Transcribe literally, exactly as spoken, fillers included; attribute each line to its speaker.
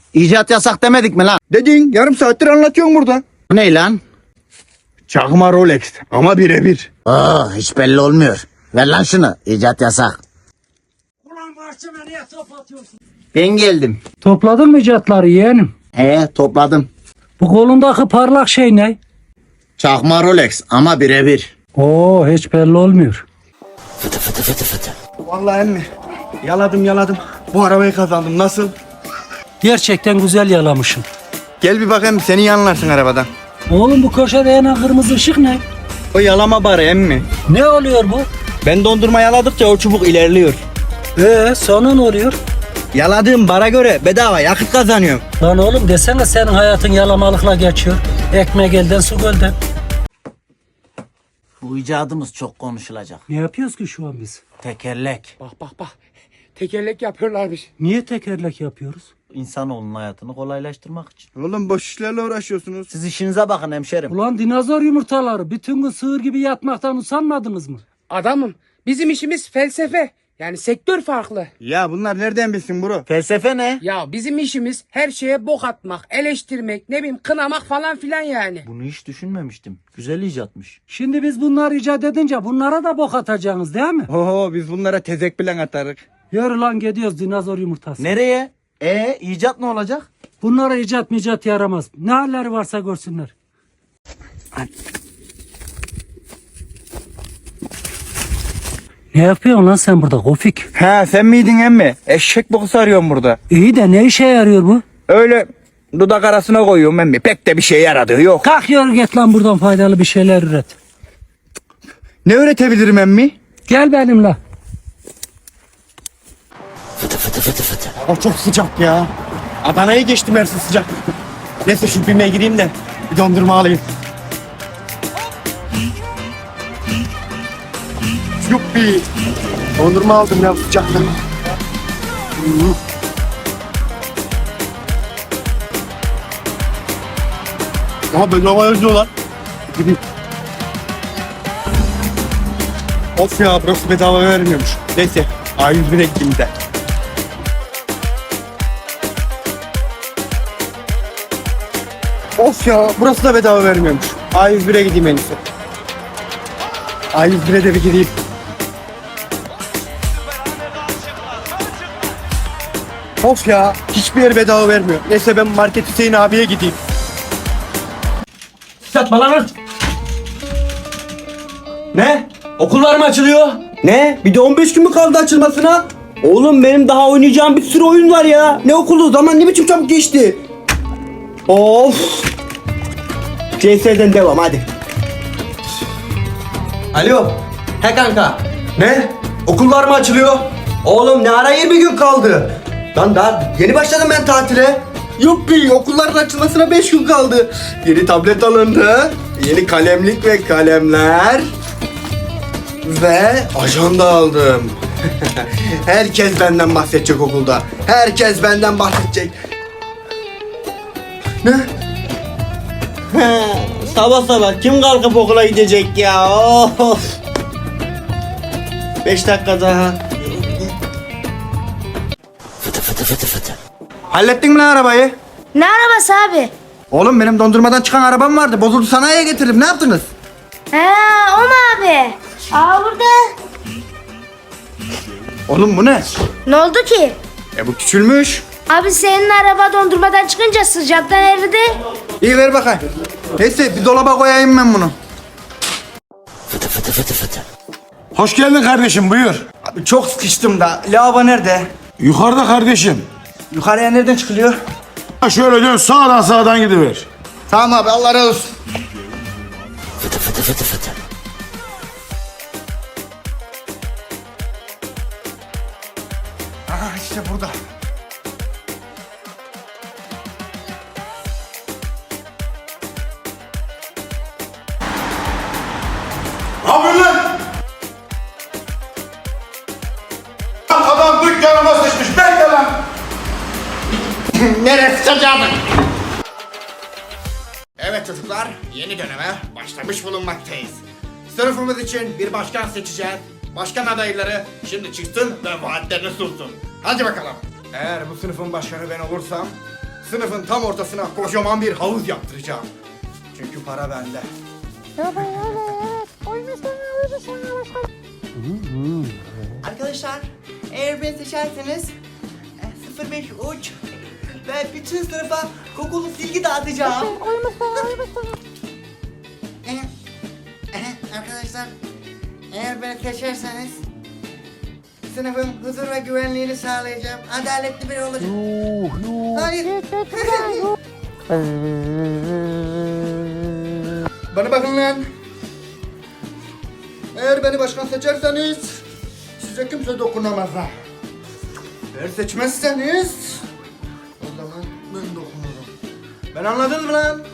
Speaker 1: İcat yasak demedik mi lan?
Speaker 2: Dedin, yarım saattir anlatıyorum burada.
Speaker 1: Bu ne lan?
Speaker 2: Çakma Rolex ama birebir.
Speaker 1: Aa, hiç belli olmuyor. Ver lan şunu. İcat yasak.
Speaker 3: Ulan bahçeme niye top atıyorsun?
Speaker 1: Ben geldim.
Speaker 3: Topladın mı icatları yeğenim?
Speaker 1: He, topladım.
Speaker 3: Bu kolundaki parlak şey ne?
Speaker 1: Çakma Rolex ama birebir.
Speaker 3: Oo, hiç belli olmuyor.
Speaker 2: Vallahi emmi, yaladım yaladım. Bu arabayı kazandım. Nasıl?
Speaker 3: Gerçekten güzel yalamışsın.
Speaker 2: Gel bir bakayım, seni yanlarsın arabadan.
Speaker 3: Oğlum bu köşede yanan kırmızı ışık ne?
Speaker 2: O yalama barı emmi.
Speaker 3: Ne oluyor bu?
Speaker 2: Ben dondurma yaladıkça o çubuk ilerliyor.
Speaker 3: Ee, sonra ne oluyor?
Speaker 2: Yaladığım bara göre bedava yakıt kazanıyorum.
Speaker 3: Lan oğlum desene senin hayatın yalamalıkla geçiyor. Ekmek elden su gölden.
Speaker 1: Bu icadımız çok konuşulacak.
Speaker 3: Ne yapıyoruz ki şu an biz?
Speaker 1: Tekerlek.
Speaker 4: Bak bak bak. Tekerlek yapıyorlarmış.
Speaker 3: Niye tekerlek yapıyoruz?
Speaker 1: İnsanoğlunun hayatını kolaylaştırmak için.
Speaker 2: Oğlum boş işlerle uğraşıyorsunuz.
Speaker 1: Siz işinize bakın hemşerim.
Speaker 3: Ulan dinozor yumurtaları bütün gün sığır gibi yatmaktan usanmadınız mı?
Speaker 4: Adamım bizim işimiz felsefe. Yani sektör farklı.
Speaker 2: Ya bunlar nereden bilsin bro?
Speaker 1: Felsefe ne?
Speaker 4: Ya bizim işimiz her şeye bok atmak, eleştirmek, ne bileyim kınamak falan filan yani.
Speaker 1: Bunu hiç düşünmemiştim. Güzel icatmış.
Speaker 3: Şimdi biz bunları icat edince bunlara da bok atacaksınız değil mi?
Speaker 2: Oho, biz bunlara tezek bilen atarık.
Speaker 3: Yürü lan gidiyoruz dinozor yumurtası.
Speaker 1: Nereye? E icat ne olacak?
Speaker 3: Bunlara icat micat yaramaz. Ne halleri varsa görsünler. Ne yapıyorsun lan sen burada Kofik?
Speaker 2: He, sen miydin emmi? Eşek bokusu arıyorum burada.
Speaker 3: İyi de ne işe yarıyor bu?
Speaker 2: Öyle dudak arasına koyuyorum emmi. Pek de bir şey yaradığı yok.
Speaker 3: Kalk yürü git lan buradan faydalı bir şeyler üret.
Speaker 2: Ne öğretebilirim emmi?
Speaker 3: Gel benimle.
Speaker 2: Hava çok sıcak ya. Adana'yı geçtim Mersin sıcak. Neyse şu BİM'e gireyim de bir dondurma alayım. Yuppi. Dondurma aldım ya sıcakta. Aha bedava yazıyorlar. Gideyim. Of ya, burası bedava vermiyormuş. Neyse A yüz bire gideyim de. Of ya, burası da bedava vermiyormuş. A yüz bire gideyim en iyisi. A yüz bire de bir gideyim. Of ya, hiçbir yer bedava vermiyor. Neyse ben Market Hüseyin abiye gideyim.
Speaker 5: Satma lan.
Speaker 2: Ne?
Speaker 5: Okullar mı açılıyor?
Speaker 2: Ne? Bir de on beş gün mü kaldı açılmasına? Oğlum benim daha oynayacağım bir sürü oyun var ya. Ne okulu? Zaman ne biçim çabuk geçti. Of. C S'den devam hadi.
Speaker 5: Alo. He kanka.
Speaker 2: Ne?
Speaker 5: Okullar mı açılıyor?
Speaker 2: Oğlum ne ara yirmi gün kaldı? Lan daha yeni başladım ben tatile. Yuppi, okulların açılmasına beş gün kaldı. Yeni tablet alındı. Yeni kalemlik ve kalemler. Ve ajanda aldım. Herkes benden bahsedecek okulda. Herkes benden bahsedecek. Ne?
Speaker 5: He, sabah sabah kim kalkıp okula gidecek ya? Of. Beş dakika daha.
Speaker 2: Hallettin mi lan arabayı?
Speaker 6: Ne arabası abi?
Speaker 2: Oğlum benim dondurmadan çıkan arabam vardı. Bozuldu, sanayiye getirdim. Ne yaptınız?
Speaker 6: He, o mu abi? Aa burada.
Speaker 2: Oğlum bu ne?
Speaker 6: Ne oldu ki?
Speaker 2: E bu küçülmüş.
Speaker 6: Abi senin araba dondurmadan çıkınca sıcaktan eridi.
Speaker 2: İyi ver bakayım. Neyse bir dolaba koyayım ben bunu.
Speaker 7: Hoş geldin kardeşim, buyur.
Speaker 2: Abi çok sıkıştım da. Lavabo nerede?
Speaker 7: Yukarıda kardeşim.
Speaker 2: Yukarıya nereden çıkılıyor?
Speaker 7: Ha şöyle dön, sağdan sağdan gidiver.
Speaker 2: Tamam abi, Allah razı olsun. Aha işte burada.
Speaker 7: Ne yapıyorsun lan? Lan adam dükkanıma sıçmış, bekle lan.
Speaker 2: Neresi sıcağını? Evet çocuklar, yeni döneme başlamış bulunmaktayız. Sınıfımız için bir başkan seçeceğiz. Başkan adayları şimdi çıksın ve vaatlerini sunsun. Hadi bakalım. Eğer bu sınıfın başkanı ben olursam sınıfın tam ortasına kocaman bir havuz yaptıracağım. Çünkü para bende.
Speaker 5: Arkadaşlar eğer beni seçerseniz e, sıfır beş uç ve bütün sınıfa kokulu silgi dağıtacağım. E, e, Arkadaşlar eğer beni seçerseniz sınıfın huzur ve güvenliğini sağlayacağım. Adaletli biri olacağım. Hayır.
Speaker 2: Bana bakın lan. Eğer beni başkan seçerseniz size kimse dokunamaz ha. Eğer seçmezseniz o zaman ben dokunurum. Ben anladınız mı lan?